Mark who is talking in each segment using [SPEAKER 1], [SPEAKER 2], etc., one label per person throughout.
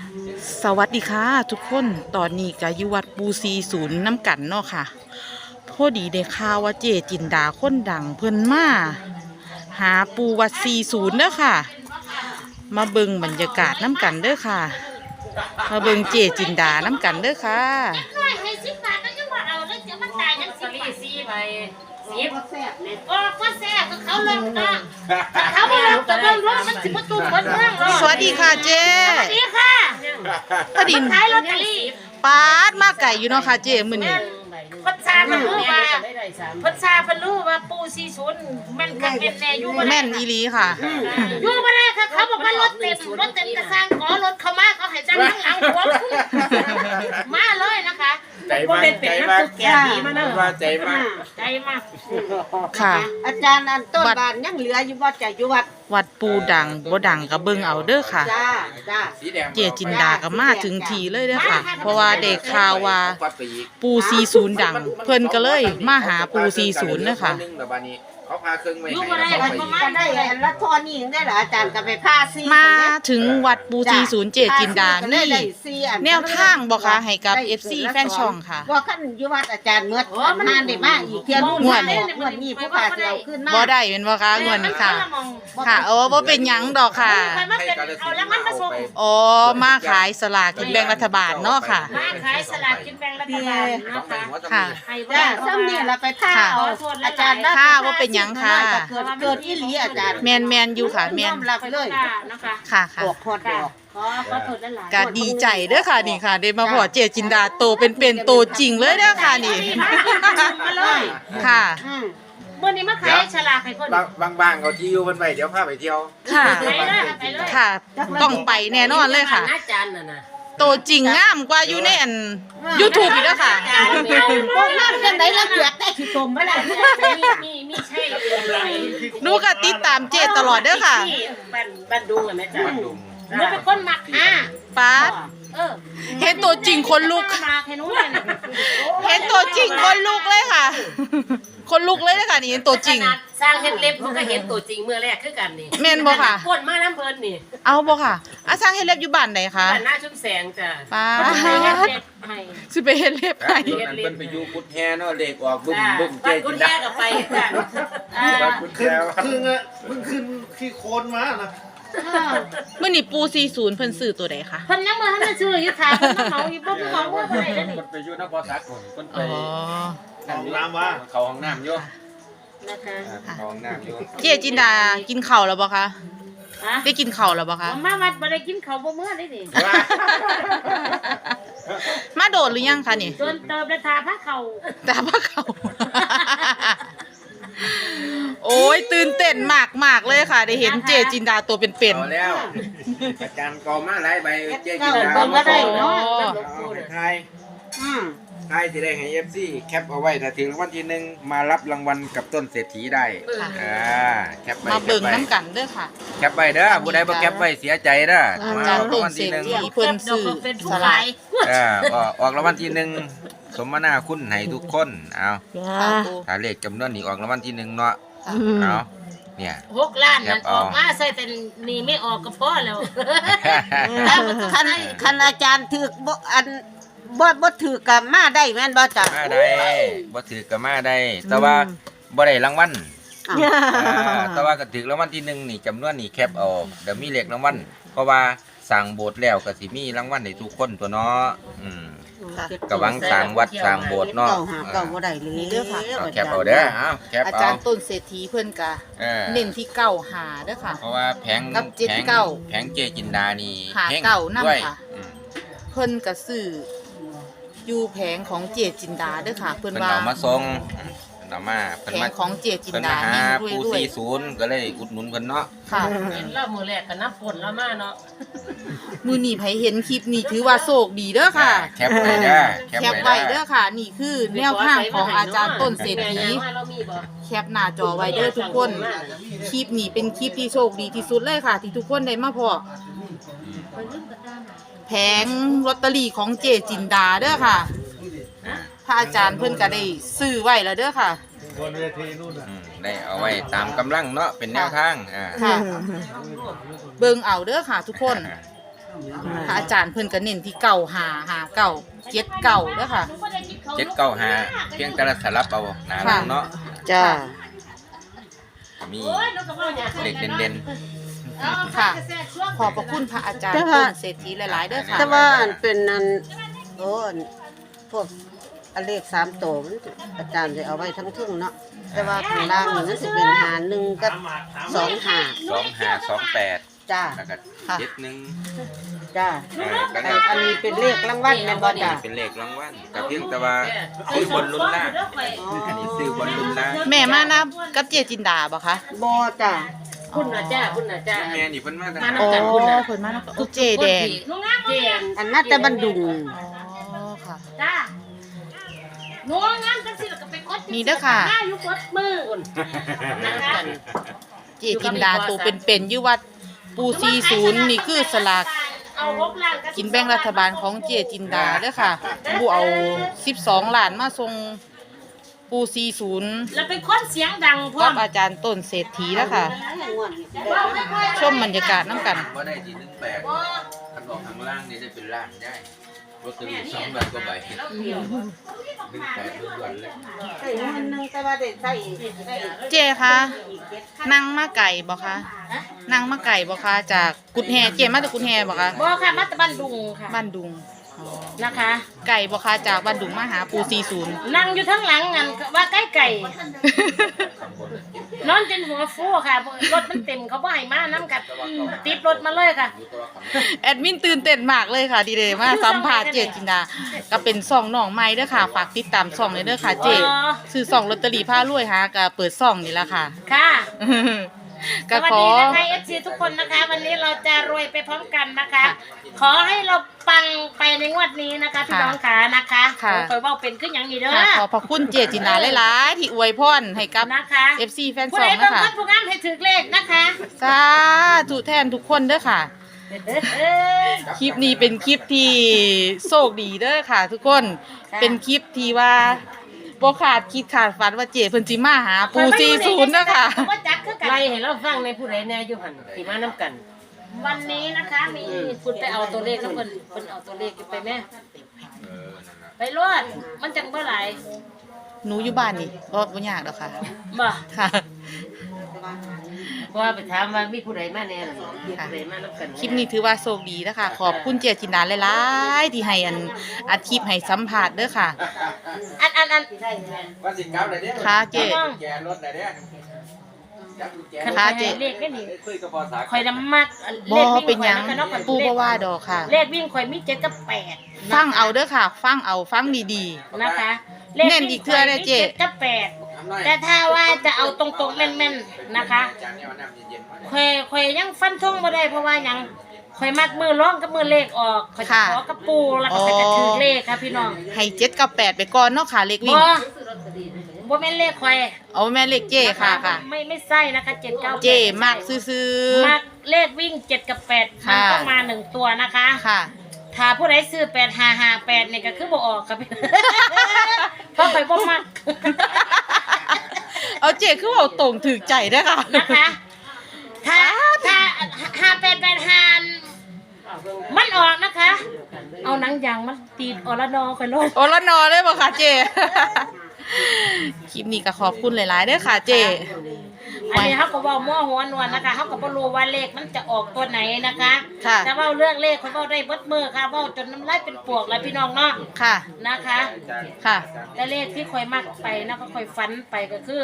[SPEAKER 1] สวัสดีค่ะทุกคนตอนนี้ก็อยู่วัดปูซีศูนย์น้ำกันเนาะค่ะพอดีได้ข่าวว่าเจจินดาคนดังเพิ่นมาหาปูวัดซีศูนย์เด้อค่ะมาเบิ่งบรรยากาศน้ำกันเด้อค่ะมาเบิ่งเจจินดาน้ำกันเด้อค่ะ
[SPEAKER 2] ให้10 บาทก็ยังบ่เอาเลยเดี๋ยวมันตายยัง10 บาท
[SPEAKER 3] 4 ใบ10ก็แซ่บเลย
[SPEAKER 2] โอ้ก็แซ่บก็เขาลงก็เขาบ่ลงก็เบิ่งรถมันสิบ่ตุ้มเบิ่งเมืองหรอก
[SPEAKER 1] สวัสดีค่ะเจ
[SPEAKER 2] สวัสดีค่ะ
[SPEAKER 1] พอดี
[SPEAKER 2] ขายลอตเตอรี่
[SPEAKER 1] ปาดมาไก่อยู่เนาะค่ะเจมื้อนี้
[SPEAKER 2] พัชชาเพิ่นรู้ว่าพัชชาเพิ่นรู้ว่าปู40แม่นคักแม่นแน่อยู่บ่ได้
[SPEAKER 1] แม่นอีหลีค่ะ
[SPEAKER 2] อยู่บ่ได้ค่ะเขาบอกว่ารถเต็มกระซังขอรถเข้ามาเขาให้จังข้างหลังหัวมาเลยนะคะ
[SPEAKER 4] ใจมากใจมากว่าใจมาก
[SPEAKER 2] ใจมาก
[SPEAKER 1] ค่ะ
[SPEAKER 3] อาจารย์อันต้นบานยังเหลืออยู่บ่จะอยู่วัด
[SPEAKER 1] วัดปูดังบ่ดังก็เบิ่งเอาเด้อค่ะ
[SPEAKER 3] จ้า
[SPEAKER 4] สีแดง
[SPEAKER 1] เจจินดาก็มาถึงทีเลยเด้อค่ะ เพราะว่าได้ข่าวว่าปู40ดัง เพิ่นก็เลยมาหาปู40เด้อค่ะ
[SPEAKER 4] นึงแล้วบัดนี้เขาพาเครื่องไว้
[SPEAKER 2] อยู่บ่ได้
[SPEAKER 4] ให้
[SPEAKER 2] ค่ะ
[SPEAKER 4] เรา
[SPEAKER 2] ประมา
[SPEAKER 4] ไป
[SPEAKER 2] ณ
[SPEAKER 3] ได้ละทอนี่ยังได้เหรออาจารย์ก็ไปพาซี
[SPEAKER 1] มาถึงวัดปู40เจจินดานี่แนวทางบ่คะให้กับ FC แฟนช่องค่ะ
[SPEAKER 3] บ่คันอยู่วัดอาจารย์เมื่อมันได้มาอีกเที่ยรุ่นงวดนี้ผู้พาเที่ยวขึ้นมา
[SPEAKER 1] บ่ได้เป็นบ่คะงวดนี้ค่ะ ค่ะบ่เป็นหยังดอกค่ะ
[SPEAKER 2] เอาแล้วมันมาส่ง
[SPEAKER 1] อ๋อมาขายสลากกินแบ่งรัฐบาลเนาะค่ะ
[SPEAKER 2] มาขายสลากกินแบ่งรัฐบาลนะคะ
[SPEAKER 1] ค่ะ
[SPEAKER 2] ให้
[SPEAKER 3] จ้าซ้ำนี่เราไปท่าเอาอาจารย์
[SPEAKER 1] ค่ะว่าเป็นหยังค่ะ
[SPEAKER 3] เกิดอีหลีอาจารย์
[SPEAKER 1] แมนอยู่ค่ะแมน
[SPEAKER 3] รับเลย
[SPEAKER 2] นะคะ
[SPEAKER 1] ค่ะค่ะ
[SPEAKER 3] ออกพอดออก
[SPEAKER 2] ขอโทษหลาย
[SPEAKER 1] ก็ดีใจเด้อค่ะนี่ค่ะได้มาพอเจจินดาโตเป็นโตจริงเลยเด้อค่ะนี่
[SPEAKER 2] มาเลย
[SPEAKER 1] ค่ะ
[SPEAKER 2] วันนี้มาขายฉลากให้เพิ่น
[SPEAKER 4] บางเขาที่อยู่เพิ่นไปเดี๋ยวพาไปเที่ยว
[SPEAKER 1] ค่ะ
[SPEAKER 2] ไปเลยไปเลย
[SPEAKER 1] ค่ะ ต้องไปแน่นอนเลยค่ะ
[SPEAKER 3] อาจารย์น่ะนะ
[SPEAKER 1] โตจริงงามกว่าอยู่ในอัน YouTube อีกแล้วค่ะ
[SPEAKER 3] พวกนั้นจังได๋ละเกือกได้ขี้ตมบ่ล่ะ
[SPEAKER 2] มีใช่
[SPEAKER 1] หนูก็ติดตามเจตลอดเด้อค่ะ
[SPEAKER 3] บ้านดุงอ่ะแม่จ้า
[SPEAKER 4] บ้านดุง
[SPEAKER 2] หนูเป็นคนมักหา
[SPEAKER 1] ป๊าด
[SPEAKER 2] เออ
[SPEAKER 1] เห็นตัวจริงคนลุก
[SPEAKER 2] มาให้หนูเลย
[SPEAKER 1] เห็นตัวจริงคนลุกเลยค่ะ คนลุกเลยนะคะนี่เห็นตัวจริง
[SPEAKER 5] สร้างเฮ็ดเล็บมันก็เห็นตัวจริงเมื่อแรกคือกันนี่
[SPEAKER 1] แม่นบ่ค่ะ
[SPEAKER 5] พ่นมาน้ำเพลินนี่
[SPEAKER 1] เอาบ่ค่ะอาสร้างเฮ็ดเล็บอยู่บ้านไหนคะ
[SPEAKER 5] บ้านหน้าชุ่มแสงจ้ะ
[SPEAKER 1] ป้า
[SPEAKER 2] ให้
[SPEAKER 1] ด
[SPEAKER 2] เด็ดให้
[SPEAKER 1] สิไปเฮ็ดเล็บ
[SPEAKER 4] ครั
[SPEAKER 1] ให้
[SPEAKER 4] บนั้นเพิ่นไปอยู่กุดแฮเนาะเด็กออกบึ้ม
[SPEAKER 5] จ้ะ
[SPEAKER 4] บึ้มเจ
[SPEAKER 5] บ้าน
[SPEAKER 4] จิ
[SPEAKER 5] กุ
[SPEAKER 4] น
[SPEAKER 5] ฎ
[SPEAKER 4] ดา
[SPEAKER 5] แย่กับไปกัน
[SPEAKER 4] บ้านกุดแฮ
[SPEAKER 6] ขึ้นอะเพิ่งขึ้นขี้โคลนมานะ
[SPEAKER 1] มื้อนี้ปู40เพิ่นซื้อตัวใดคะ
[SPEAKER 2] เพิ่นยังบ่ทันได้ซื้ออยู่ถามเพิ่นมาเขาอยู่บ่มีของบ่ได้เด้อนี่
[SPEAKER 4] เพิ่นไปอยู่นครสักคนเพิ่นไป
[SPEAKER 1] อ๋อ
[SPEAKER 6] ห้องน้ำว่า
[SPEAKER 4] เขาห้องน้ำอยู่
[SPEAKER 2] นะคะ
[SPEAKER 4] เขาห้องน้ำอยู่
[SPEAKER 1] เจจินดากินข้าวแล้วบ่คะ
[SPEAKER 2] ฮะ
[SPEAKER 1] ได้กินข้าวแล้วบ่คะ
[SPEAKER 2] มาวัดบ่ได้กินข้าวบ่มื้อได้นี่
[SPEAKER 1] มาโดดหรือยังคะนี่
[SPEAKER 2] จนเติมได้ทาผ้าเขา
[SPEAKER 1] แต่ว่าเขา โอ้ยตื่นเต้นมากๆเลยค่ะ ได้เห็นเจจินดาตัวเป็น
[SPEAKER 4] เอาแล้วอาจารย์กอมาหลายใบเจจินดา
[SPEAKER 3] เบิ่งบ่ได้
[SPEAKER 1] ๆ
[SPEAKER 3] เนาะ
[SPEAKER 1] อ๋อ
[SPEAKER 4] ไทย
[SPEAKER 3] อืม
[SPEAKER 4] ไทยสิได้ให้ FC แคปเอาไว้ถ้าถึงรางวัลที่หนึ่งมารับรางวัลกับต้นเศรษฐีได้แคปไป
[SPEAKER 1] มาเบิ่ง
[SPEAKER 4] แคปไป
[SPEAKER 1] น้ำกันเด้อค่ะ
[SPEAKER 4] แคปไปเด้อผู้ใดบ่แคปไว้เสียใจเด้อ
[SPEAKER 1] อา
[SPEAKER 4] มา
[SPEAKER 1] จารย์
[SPEAKER 4] ราง
[SPEAKER 1] ต้น
[SPEAKER 4] วัล
[SPEAKER 1] เศร
[SPEAKER 4] ที่
[SPEAKER 1] ษ
[SPEAKER 4] หนึ่ง
[SPEAKER 1] ฐีเพิ่นซื้อ
[SPEAKER 2] เป็นผู้
[SPEAKER 1] ส
[SPEAKER 2] ขา
[SPEAKER 1] ลาก
[SPEAKER 2] ย
[SPEAKER 4] ออกรางวัลที่หนึ่งสมนาคุณให้ทุกคนเอา
[SPEAKER 1] ค่ะปู
[SPEAKER 4] ถ้าเลขจำนวนนี้ออกรางวัลที่หนึ่งเนาะเอาเนี่ย
[SPEAKER 2] 6 ล้านนั่น
[SPEAKER 4] แคปเอา
[SPEAKER 2] ออกมาใส่แต่นี่ไม่ออกก็พอแล้ว
[SPEAKER 3] คันอาจารย์ถือบ่อันบ่ถือกับมาได้แม่นบ่จ้ะ
[SPEAKER 4] มาได้บ่ถือก็มาได้ แต่ว่าบ่ได้รางวัลแต่ว่าก็ถือรางวัลที่หนึ่งนี่จำนวนนี่แคปเอาเดี๋ยวมีเลขรางวัลเพราะว่าสั่งโบสถ์แล้วก็สิมีรางวัลให้ทุกคนตัวเนาะก็หวังสร้างวัดสร้างโบสถ์เนาะ
[SPEAKER 3] เก้าบ่ได้เลย
[SPEAKER 4] เอาแคปเอาเด้อเอาแคป
[SPEAKER 1] อา
[SPEAKER 4] เอา
[SPEAKER 1] จารย์ต้นเศรษฐีเพิ่นกะ
[SPEAKER 4] เออ
[SPEAKER 1] เน้นที่เก้าหาเด้อค่ะ
[SPEAKER 4] เพราะว่าแผง
[SPEAKER 1] กับ
[SPEAKER 4] แผง
[SPEAKER 1] 79
[SPEAKER 4] แผงเจจินดานี่
[SPEAKER 1] หา
[SPEAKER 4] แพง
[SPEAKER 1] เก้านำ
[SPEAKER 4] ด้วย
[SPEAKER 1] ค่ะ เพิ่นกะซื้ออยู่แผงของเจจินดาเด้อค่ะ เพิ่น
[SPEAKER 4] เพิ่น
[SPEAKER 1] ว่า
[SPEAKER 4] เอามาส่งเพิ่นเอามาเพิ่น
[SPEAKER 1] แผ
[SPEAKER 4] มาง
[SPEAKER 1] ของเจจิน
[SPEAKER 4] เพิ่น
[SPEAKER 1] ดา
[SPEAKER 4] มาหา
[SPEAKER 1] นี่
[SPEAKER 4] ปู
[SPEAKER 1] รวย
[SPEAKER 4] 40ก็เลยอุดหนุนเพิ่นเนาะ
[SPEAKER 1] ๆค่ะ
[SPEAKER 5] เห็นแล้วมือแรกก็นับฝนแล้วมาเนาะ
[SPEAKER 1] มือนี้ไผเห็นคลิปนี้ถือว่าโชคดีเด้อค่ะ
[SPEAKER 4] แคปไว้เด้อ
[SPEAKER 1] แคปไว้เด้อค่ะ นี่คือแนวทางของอาจารย์ต้นเศรษฐี
[SPEAKER 5] ว่าเรามีบ่
[SPEAKER 1] แคปหน้าจอไว้เด้อทุกคน คลิปนี้เป็นคลิปที่โชคดีที่สุดเลยค่ะ ที่ทุกคนได้มาพอแผงลอตเตอรี่ของเจจินดาเด้อค่ะพระอาจารย์เพิ่นก็ได้ซื้อไว้แล้วเด้อค่ะ
[SPEAKER 6] บนเวทีนู่นน่ะ
[SPEAKER 4] ได้เอาไว้ตามกำลังเนาะเป็นแนวทาง
[SPEAKER 1] ค่ะ เบิ่งเอาเด้อค่ะ ทุกคนพระอาจารย์เพิ่นก็เน้นที่เก่าหาเก่าเจ็ดเก่าเด้อค่ะ
[SPEAKER 4] 795เพียงแต่ละสลับเอาหน้าหลังเนาะ
[SPEAKER 1] จ้า
[SPEAKER 4] มีเด็กเด่น
[SPEAKER 1] ค่ะขอบพระคุณพระอาจารย์ต้นเศรษฐีหลายๆเด้อค่ะ
[SPEAKER 3] แต่ว่าอันเป็นอันโอ้อันพวกอันเลข3ตัวมันอาจารย์จะเอาไว้ทั้งทึ่งเนาะแต่ว่าข้างล่างนี่มันสิเป็น51กับ25
[SPEAKER 4] 2528
[SPEAKER 3] จ้า
[SPEAKER 4] แล้วก็
[SPEAKER 1] ค่ะ
[SPEAKER 4] 71
[SPEAKER 3] จ้า
[SPEAKER 4] ก็แล้ว
[SPEAKER 3] อันนี้เป็นเลขรางวัลแม่นบ่จ้า
[SPEAKER 4] เป็นเลขรางวัลแต่เพียงแต่ว่าซื้อบนลุ้นล่างอันนี้ซื้อบนลุ้นล่าง
[SPEAKER 1] แม่มานะกับเจจินดาบ่คะ
[SPEAKER 3] บ่จ้า
[SPEAKER 5] คุณน่ะจ้าคุณน่ะจ้า
[SPEAKER 4] แม่นี่เพิ่นมาตั้ง
[SPEAKER 1] โอ้เพิ่นมานะโอ้เจแดง
[SPEAKER 5] เจียน
[SPEAKER 3] อันน่าจะบันดุง
[SPEAKER 1] อ๋อค่ะ
[SPEAKER 2] จ้าหนูงามจังสิแล้วก็ไปกด
[SPEAKER 1] นี่เด้อค่ะ
[SPEAKER 2] หน้าอยู่กดมือนะคะ
[SPEAKER 1] เจจินดาตัวเป็นๆอยู่วัดปู40นี่คือสลาก
[SPEAKER 2] เอาหกล้านบ
[SPEAKER 1] กินแบ่งรัฐบาลของเจจินดาเด้อค่ะผู้เอา12ล้านมาส่งปู40
[SPEAKER 2] แล้วเป็นคนเสียงดังพร้อ
[SPEAKER 1] กั
[SPEAKER 2] ม
[SPEAKER 1] บอาจารย์ต้นเศรษฐีแล้วค่ะ ชมบรรยากาศน้ำกัน
[SPEAKER 4] บ่ได้ที่18คันออกข้างล่างนี่ได้เป็นล้านได้ลอตเตอรี่2ใบกว่าใบ18ล้วนๆเลย
[SPEAKER 3] ใส่เงินนึงแต่ว่าได้ใส่ได้
[SPEAKER 1] เจคะนั่งมาไก่บ่คะนั่งมาไก่บ่คะจากกุดแฮเจมาจากกุดแฮบ่คะ
[SPEAKER 2] บ่ค่ะมาตะบันดุงค่ะ
[SPEAKER 1] บ้านดุงอ๋อ
[SPEAKER 2] นะคะ
[SPEAKER 1] ไก่บ่คะจากบ้านดุงมาหาปู40
[SPEAKER 2] นั่งอยู่ทั้งหลังงันว่าใกล้ไก่นอนจนหัวฟูค่ะรถมันเต็มเขาบ่ให้มาน้ำกับติดรถมาเลยค่ะ
[SPEAKER 1] แอดมินตื่นเต้นมากเลยค่ะดีเดย์มาสัมภาษณ์เจจินดาก็เป็นซ่องน้องใหม่เด้อค่ะฝากติดตามซ่องเลยเด้อค่ะเจซื้อซ่องลอตเตอรี่พารวยหาก็เปิดซ่องนี่ล่ะค่ะ
[SPEAKER 2] ค่ะ
[SPEAKER 1] ก็
[SPEAKER 2] สวัส
[SPEAKER 1] ขอ
[SPEAKER 2] ดีนะคะ FC ทุกคนนะคะ วันนี้เราจะรวยไปพร้อมกันนะคะ ขอให้เราปังไปในงวดนี้นะคะพี่น้องขานะคะ
[SPEAKER 1] ค่ะ
[SPEAKER 2] คอยเว้าเป็นขึ้นอย่างนี้เด้อ
[SPEAKER 1] ค่ะขอบพระคุณเจจินดาหลายๆที่อวยพรให้กับ
[SPEAKER 2] นะคะ
[SPEAKER 1] FC แฟน
[SPEAKER 2] ผู้
[SPEAKER 1] ซ่อ
[SPEAKER 2] ใด
[SPEAKER 1] ง
[SPEAKER 2] บาง
[SPEAKER 1] นะคะ
[SPEAKER 2] คนผู้งามให้ถือเลขนะคะ
[SPEAKER 1] สาธุแทนทุกคนเด้อค่ะ คลิปนี้เป็นคลิปที่โชคดีเด้อค่ะ ทุกคน
[SPEAKER 2] ค่ะ
[SPEAKER 1] เป็นคลิปที่ว่าบ่ขาดคิดขาดฝันว่าเจเพิ่นสิมาหาปู40นะคะ
[SPEAKER 2] ว่าจักคือกัน
[SPEAKER 5] ไล่ให้เราฟังในผู้ใดแน่อยู่หั่นที่มานํกัน
[SPEAKER 2] วันนี้นะคะมี
[SPEAKER 5] คุณไปเอาตัวเลขแล้วเพิ่นเอาตัวเลขไปแม่
[SPEAKER 2] ไปรวดมันจังบ่หลาย
[SPEAKER 1] หนูอยู่บ้านนี่บ่ยากดอกค่ะ
[SPEAKER 2] บ่
[SPEAKER 1] ค่ะ
[SPEAKER 5] เพราะว่าไปถามว่ามีผู้ใดมาแน่ล่ะมีผู้ใดมานํกัน
[SPEAKER 1] คลิปนี้ถือว่าโชคดีนะคะ ขอบคุณเจจินดาหลายๆที่ให้อัดคลิปให้สัมภาษณ์เด้อค่ะ
[SPEAKER 2] อัน
[SPEAKER 4] ว่าสิกลับได้เด้
[SPEAKER 1] ค่ะเจ๊
[SPEAKER 4] แกรถได้เด้จับกุญแจ
[SPEAKER 2] คัน
[SPEAKER 1] ค่ะ
[SPEAKER 2] ไป
[SPEAKER 1] เจ๊
[SPEAKER 2] เลขก็นี่
[SPEAKER 4] คุยกับพ่อสา
[SPEAKER 2] ข่อยนำมัก
[SPEAKER 1] บ่
[SPEAKER 2] เลขวิ่ง
[SPEAKER 1] เป็นหยัง
[SPEAKER 2] ข่อยมักเนาะข่อย
[SPEAKER 1] ปูบ่ว่าดอกค่ะ
[SPEAKER 2] เลขวิ่งข่อยมี7กับ8
[SPEAKER 1] ฟังเอาเด้อค่ะ ฟังเอาฟังดี
[SPEAKER 2] นะคะ
[SPEAKER 1] เน้นอีกเทื่อเด้อเจ๊
[SPEAKER 2] ลขวิ่งข่อยมี7กับ8แต่ถ้าว่าจะเอาตรงๆแม่นๆนะคะ
[SPEAKER 4] จานนี้เอาน้ำเย็นๆมา
[SPEAKER 2] ข่อยยังฟันธงบ่ได้เพราะว่าหยังข่อยมักมือร้องกับมือเลขออกข่อยจะขอกับปูแล้วก็ข่อยจะถือเลขค่ะพี่น้อง
[SPEAKER 1] ๆ ให้7กับ8ไปก่อนเนาะค่ะเลขวิ่
[SPEAKER 2] บ่
[SPEAKER 1] ง
[SPEAKER 2] บ่แม่นเลขข่อย
[SPEAKER 1] เอาแม่เลขเจค่ะค่ะ
[SPEAKER 2] ไม่ใช่นะคะ7 9 8
[SPEAKER 1] เจมากซื่อ
[SPEAKER 2] มักเลขวิ่ง7กับ8มัน
[SPEAKER 1] ค่ะ
[SPEAKER 2] ต้องมา1ตัวนะคะ
[SPEAKER 1] ๆค่ะ
[SPEAKER 2] ถ้าผู้ใดซื้อ8558เนี่ยก็คือบ่ออกครับพี่ เพราะข่อยบ่มัก
[SPEAKER 1] เอาเจคือเอาตรงถึกใจเด้อค่ะ
[SPEAKER 2] นะคะ ถ้า5885มันออกนะคะ เอาหนังยางมันตีดอรนอข่อยโลด
[SPEAKER 1] โอละนอเลยบ่ค่ะเจ คลิปนี้ก็ขอบคุณหลายๆเด้อค่ะเจ
[SPEAKER 2] อันนี้เขาก็เว้ามั่วหัวนวลนะคะเขาก็บ่รู้ว่าเลขมันจะออกตัวไหนนะคะ
[SPEAKER 1] ค่ะ
[SPEAKER 2] แต่เว้าเรื่องเลขเขาเว้าได้เบิดมือค่ะเว้าจนน้ำลายเป็นปวกแล้วพี่น้องเนาะ
[SPEAKER 1] ค่ะ
[SPEAKER 2] นะคะ
[SPEAKER 1] ค่ะ
[SPEAKER 2] แต่เลขที่ข่อยมักไปนะก็ข่อยฝันไปก็คือ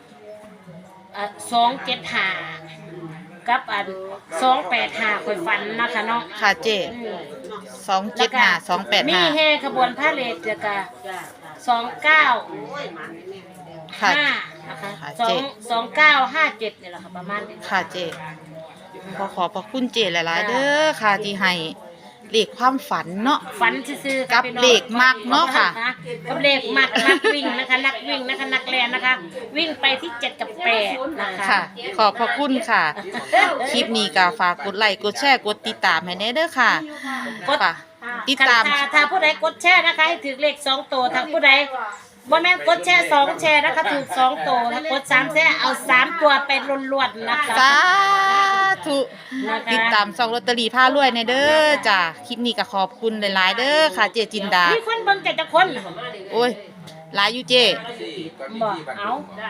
[SPEAKER 2] 275กับ285ข่อยฝันนะคะเนาะ
[SPEAKER 1] ค่ะเจ275
[SPEAKER 2] มี
[SPEAKER 1] 285
[SPEAKER 2] แห่ขบวนพาเหรดเดี๋ยวก็29
[SPEAKER 1] ค่ะ
[SPEAKER 2] นะคะ
[SPEAKER 1] ค่ะ
[SPEAKER 2] สอ
[SPEAKER 1] เจ๊
[SPEAKER 2] ง2957เนี่ยแหละค่ะประมาณนี้
[SPEAKER 1] ค่ะเจขอพระคุณเจหลายๆเด้อค่ะที่ให้เลขความฝันเนาะ
[SPEAKER 2] ฝันซื่อๆ
[SPEAKER 1] กับเลขมักเนาะค่ะ
[SPEAKER 2] กับเลขมักนักวิ่งนะคะนักวิ่งนะคะนักแล่นนะคะ วิ่งไปที่7กับ8นะคะ
[SPEAKER 1] ค่ะ ขอบพระคุณค่ะ คลิปนี้ก็ฝากกดไลค์กดแชร์กดติดตามให้แน่เด้อค่ะ
[SPEAKER 2] กด
[SPEAKER 1] ฝากติดตาม
[SPEAKER 2] ถ้าผู้ใดกดแชร์นะคะให้ถือเลข2ตัวถ้าผู้ใดบ่แม่นกดแชร์2แชร์นะคะถูก2ตัวถ้ากด3แชร์เอา3ตัวไปล้วนๆนะคะ
[SPEAKER 1] สาธุ
[SPEAKER 5] นะคะ
[SPEAKER 1] ติดตามซองลอตเตอรี่ผ้ารวยในเด้อจ้ะคลิปนี้ก็ขอบคุณหลายๆเด้อค่ะเจจินดา
[SPEAKER 2] มีคนเบิ่งแต่จะคน
[SPEAKER 1] โอ้ยหลายอยู่เจ
[SPEAKER 2] บ่เอา